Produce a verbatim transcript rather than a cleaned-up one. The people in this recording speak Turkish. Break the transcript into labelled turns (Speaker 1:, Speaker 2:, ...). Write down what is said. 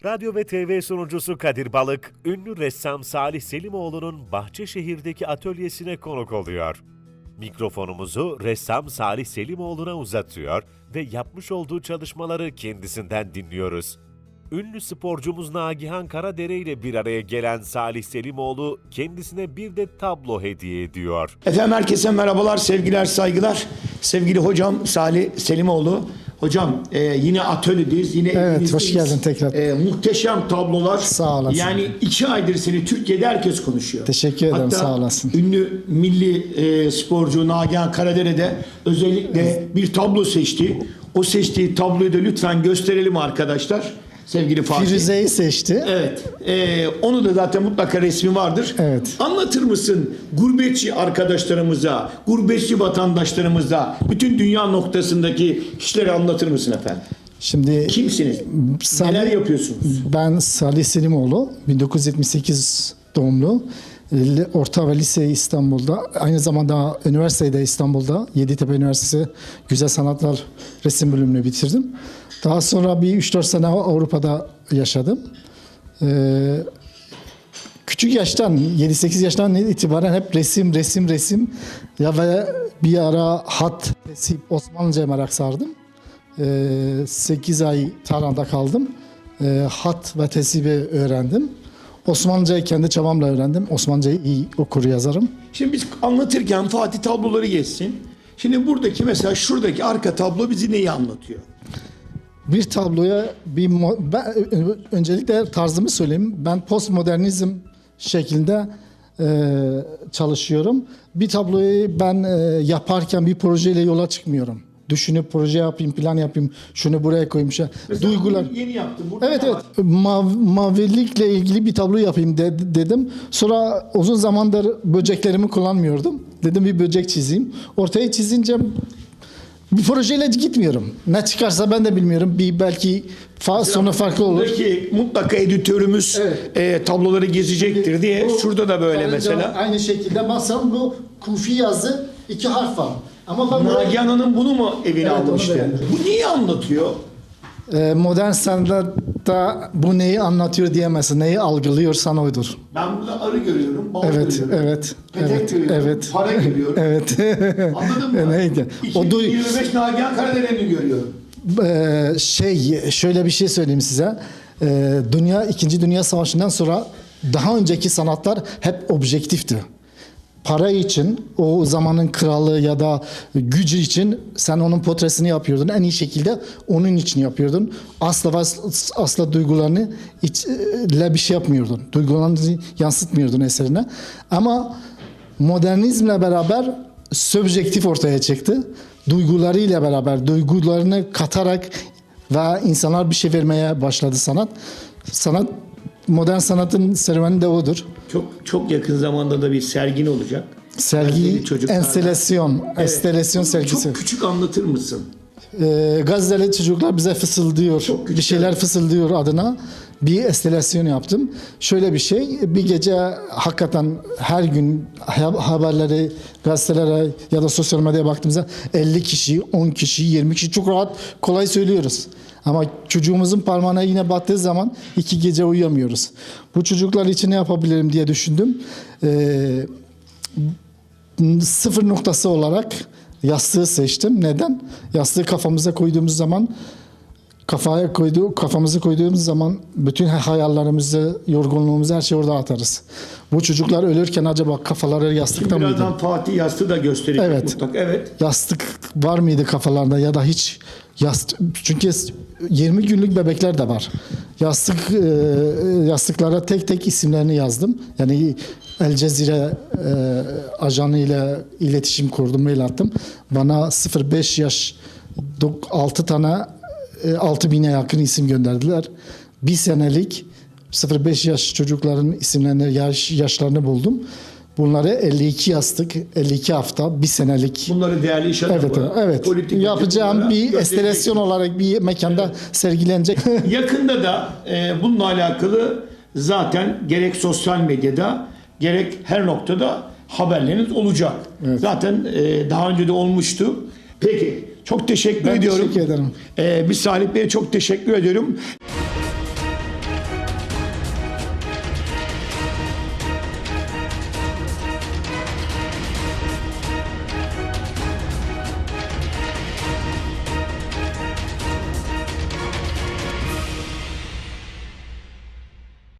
Speaker 1: Radyo ve T V sunucusu Kadir Balık, ünlü ressam Salih Selimoğlu'nun Bahçeşehir'deki atölyesine konuk oluyor. Mikrofonumuzu ressam Salih Selimoğlu'na uzatıyor ve yapmış olduğu çalışmaları kendisinden dinliyoruz. Ünlü sporcumuz Nagihan Karadere ile bir araya gelen Salih Selimoğlu kendisine bir de tablo hediye ediyor.
Speaker 2: Efendim herkese merhabalar, sevgiler, saygılar. Sevgili hocam Salih Selimoğlu. Hocam e, yine atölyedeyiz. Yine
Speaker 3: evet, hoş geldin tekrar.
Speaker 2: E, muhteşem tablolar.
Speaker 3: Sağ olasın.
Speaker 2: Yani iki aydır seni Türkiye'de herkes konuşuyor.
Speaker 3: Teşekkür ederim,
Speaker 2: Hatta
Speaker 3: sağ olasın.
Speaker 2: Ünlü milli e, sporcu Nagihan Karadere de özellikle bir tablo seçti. O seçtiği tabloyu da lütfen gösterelim arkadaşlar. Sevgili Fatih.
Speaker 3: Firuze'yi seçti.
Speaker 2: Evet. E, onu da zaten mutlaka resmi vardır.
Speaker 3: Evet.
Speaker 2: Anlatır mısın gurbetçi arkadaşlarımıza, gurbetçi vatandaşlarımıza, bütün dünya noktasındaki kişileri anlatır mısın efendim?
Speaker 3: Şimdi
Speaker 2: Kimsiniz?
Speaker 3: Salih,
Speaker 2: Neler yapıyorsunuz?
Speaker 3: Ben Salih Selimoğlu, bin dokuz yüz yetmiş sekiz doğumlu. Orta ve lise İstanbul'da, aynı zamanda üniversitede İstanbul'da, Yeditepe Üniversitesi Güzel Sanatlar Resim bölümünü bitirdim. Daha sonra bir üç dört sene Avrupa'da yaşadım. Ee, küçük yaştan, yedi sekiz yaştan itibaren hep resim, resim, resim ya ve bir ara hat, tesip, Osmanlıca'ya merak sardım. Ee, sekiz ay Tahran'da kaldım. Ee, hat ve tesibi öğrendim. Osmanlıcayı kendi çabamla öğrendim. Osmanlıcayı iyi okur yazarım.
Speaker 2: Şimdi biz anlatırken Fatih tabloları geçsin. Şimdi buradaki mesela şuradaki arka tablo bizi neyi anlatıyor?
Speaker 3: Bir tabloya bir ben, öncelikle tarzımı söyleyeyim. Ben postmodernizm şeklinde e, çalışıyorum. Bir tabloyu ben e, yaparken bir projeyle yola çıkmıyorum. Düşünüp proje yapayım, plan yapayım, şunu buraya koyayım. Şey. Duygular.
Speaker 2: Yeni yaptım. Burada
Speaker 3: evet evet. Mav, mavilikle ilgili bir tablo yapayım de, dedim. Sonra uzun zamandır böceklerimi kullanmıyordum. Dedim bir böcek çizeyim. Ortaya çizince bir projeyle gitmiyorum. Ne çıkarsa ben de bilmiyorum. Bir belki fa sonu farklı olur.
Speaker 2: Buradaki mutlaka editörümüz
Speaker 3: evet.
Speaker 2: e, tabloları gezecektir diye. Bu, şurada da böyle mesela.
Speaker 3: Aynı şekilde baksam bu kufi yazı iki harf var. Ama ben
Speaker 2: Nagihan Hanım bunu mu evine
Speaker 3: evet,
Speaker 2: almıştı? Bu neyi anlatıyor?
Speaker 3: Ee, modern sanatta bu neyi anlatıyor diyemezsin. Neyi algılıyorsan oydur.
Speaker 2: Ben burada arı görüyorum, bal
Speaker 3: evet,
Speaker 2: görüyorum.
Speaker 3: Evet,
Speaker 2: Petek
Speaker 3: evet,
Speaker 2: görüyorum,
Speaker 3: evet.
Speaker 2: para görüyorum.
Speaker 3: Evet.
Speaker 2: Anladın mı?
Speaker 3: Neydi?
Speaker 2: iki bin yirmi beş Nagihan Karadere'ni görüyorum.
Speaker 3: Ee, şey, şöyle bir şey söyleyeyim size. Ee, dünya, İkinci Dünya Savaşı'ndan sonra daha önceki sanatlar hep objektifti. Para için, o zamanın kralı ya da gücü için sen onun portresini yapıyordun. En iyi şekilde onun için yapıyordun. Asla asla duygularını ile bir şey yapmıyordun. Duygularını yansıtmıyordun eserine. Ama modernizmle beraber subjektif ortaya çıktı. Duygularıyla beraber, duygularını katarak ve insanlar bir şey vermeye başladı sanat. Sanat Modern sanatın serüveni de odur.
Speaker 2: Çok çok yakın zamanda da bir sergin olacak.
Speaker 3: Sergi, enstelasyon,
Speaker 2: evet.
Speaker 3: enstelasyon sergisi.
Speaker 2: Çok küçük anlatır mısın?
Speaker 3: Ee, Gazze'li çocuklar bize fısıldıyor, bir şeyler fısıldıyor adına. Bir enstelasyon yaptım. Şöyle bir şey, bir gece hakikaten her gün haberleri, gazetelere ya da sosyal medyaya baktığımızda elli kişi, on kişi, yirmi kişi çok rahat, kolay söylüyoruz. Ama çocuğumuzun parmağına yine battığı zaman iki gece uyuyamıyoruz. Bu çocuklar için ne yapabilirim diye düşündüm. Ee, sıfır noktası olarak yastığı seçtim. Neden? Yastığı kafamıza koyduğumuz zaman kafaya koyduğu kafamızı koyduğumuz zaman bütün hayallerimizi, yorgunluğumuzu, her şeyi orada atarız. Bu çocuklar ölürken acaba kafaları yastıkta mıydı?
Speaker 2: Birazdan Fatih yastığı da gösterecek
Speaker 3: evet.
Speaker 2: mutlaka. Evet.
Speaker 3: Yastık var mıydı kafalarında ya da hiç yastık, çünkü yirmi günlük bebekler de var. Yastık yastıklara tek tek isimlerini yazdım. Yani El Cezire e, ajanı ile iletişim kurdum, mail attım. Bana sıfır beş yaş altı tane altı bine yakın isim gönderdiler. Bir senelik sıfır beş yaş çocukların isimlerini, yaş, yaşlarını buldum. Bunları elli iki yastık, elli iki hafta, bir senelik.
Speaker 2: Bunları değerli iş adamı.
Speaker 3: Evet, evet.
Speaker 2: Politik
Speaker 3: yapacağım bir enstelasyon olarak bir mekanda evet. sergilenecek. Yakında
Speaker 2: da e, bununla alakalı zaten gerek sosyal medyada gerek her noktada haberleriniz olacak. Evet. Zaten e, daha önce de olmuştu. Peki, çok teşekkür
Speaker 3: ben
Speaker 2: ediyorum.
Speaker 3: Teşekkür ederim.
Speaker 2: E, biz Salih Bey'e çok teşekkür ediyorum.